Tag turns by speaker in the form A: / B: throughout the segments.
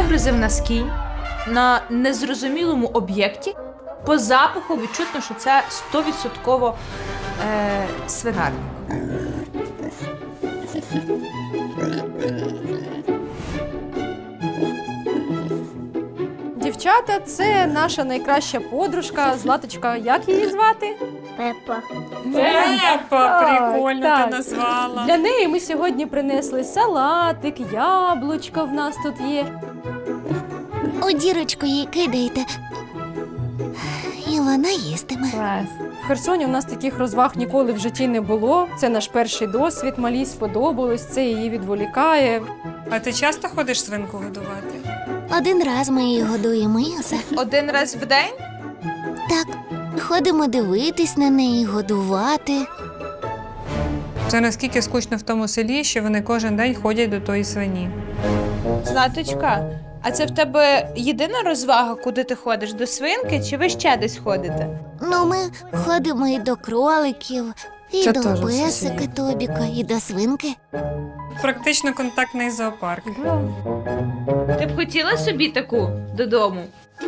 A: вигрузив носки на незрозумілому об'єкті. По запаху відчутно, що це 100% свинар.
B: Дівчата, це наша найкраща подружка, Златочка. Як її звати?
C: Пепа.
D: Пепа, прикольно
B: так.
D: ти назвала.
B: Для неї ми сьогодні принесли салатик, яблучко в нас тут є.
C: У дірочку їй кидаєте, і вона їстиме.
B: В Херсоні у нас таких розваг ніколи в житті не було. Це наш перший досвід, малій сподобалось, це її відволікає.
D: А ти часто ходиш свинку годувати?
C: Один раз ми її годуємо, і все.
A: Один раз в день?
C: Так, ходимо дивитись на неї, годувати.
D: Це наскільки скучно в тому селі, що вони кожен день ходять до тої свині.
A: Златочка, а це в тебе єдина розвага, куди ти ходиш? До свинки чи ви ще десь ходите?
C: Ну, ми ходимо і до кроликів, і
D: Це
C: до
D: теж
C: песика
D: сусіди.
C: Тобіка, і до свинки.
D: Практично контактний зоопарк.
A: Ти б хотіла собі таку додому?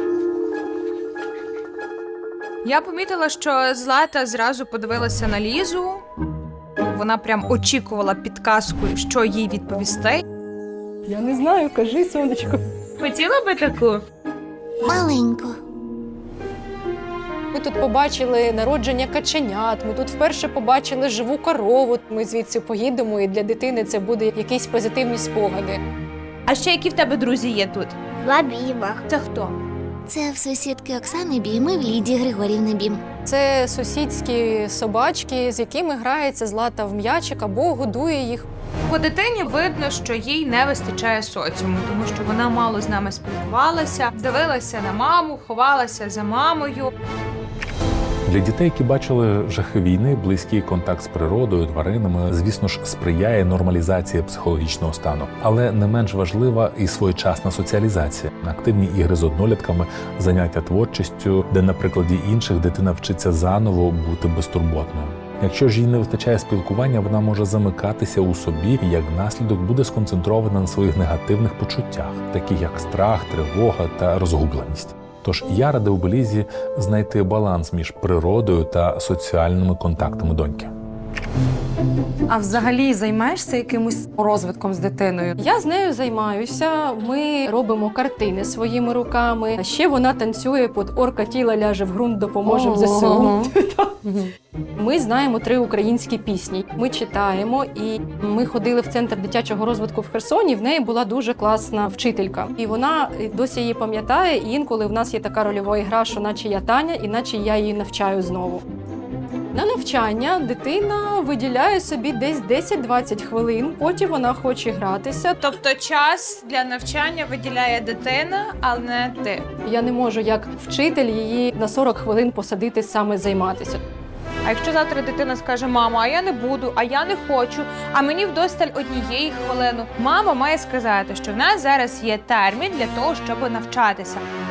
A: Я помітила, що Злата зразу подивилася на Лізу. Вона прям очікувала підказку, що їй відповісти.
B: Я не знаю, кажи, сонечко.
A: Хотіла би таку?
C: Маленько.
B: Ми тут побачили народження каченят, ми тут вперше побачили живу корову. Ми звідси поїдемо, і для дитини це буде якісь позитивні спогади.
A: А ще які в тебе друзі є тут?
C: Два біма.
A: Це хто?
C: Це в сусідки Оксани Бім і в Лідії Григорівни Бім.
B: Це сусідські собачки, з якими грається Злата в м'ячик або годує їх.
A: По дитині видно, що їй не вистачає соціуму, тому що вона мало з нами спілкувалася, дивилася на маму, ховалася за мамою.
E: Для дітей, які бачили жахи війни, близький контакт з природою, тваринами, звісно ж, сприяє нормалізації психологічного стану. Але не менш важлива і своєчасна соціалізація. Активні ігри з однолітками, заняття творчістю, де на прикладі інших дитина вчиться заново бути безтурботною. Якщо ж їй не вистачає спілкування, вона може замикатися у собі і як наслідок буде сконцентрована на своїх негативних почуттях, таких як страх, тривога та розгубленість. Тож я радив би Лізі знайти баланс між природою та соціальними контактами доньки.
F: А взагалі займаєшся якимось розвитком з дитиною?
B: Я з нею займаюся, ми робимо картини своїми руками. А ще вона танцює під «Орка тіла ляже в ґрунт, допоможем ЗСУ». Ми знаємо 3 українські пісні. Ми читаємо, і ми ходили в центр дитячого розвитку в Херсоні. В неї була дуже класна вчителька. І вона досі її пам'ятає, і інколи в нас є така рольова гра, що наче я Таня, і наче я її навчаю знову. На навчання дитина виділяє собі десь 10-20 хвилин, потім вона хоче гратися.
A: Тобто час для навчання виділяє дитина, але не ти.
B: Я не можу як вчитель її на 40 хвилин посадити саме займатися.
A: А якщо завтра дитина скаже: «Мамо, а я не буду, а я не хочу, а мені вдосталь однієї хвилини», мама має сказати, що в нас зараз є термін для того, щоб навчатися.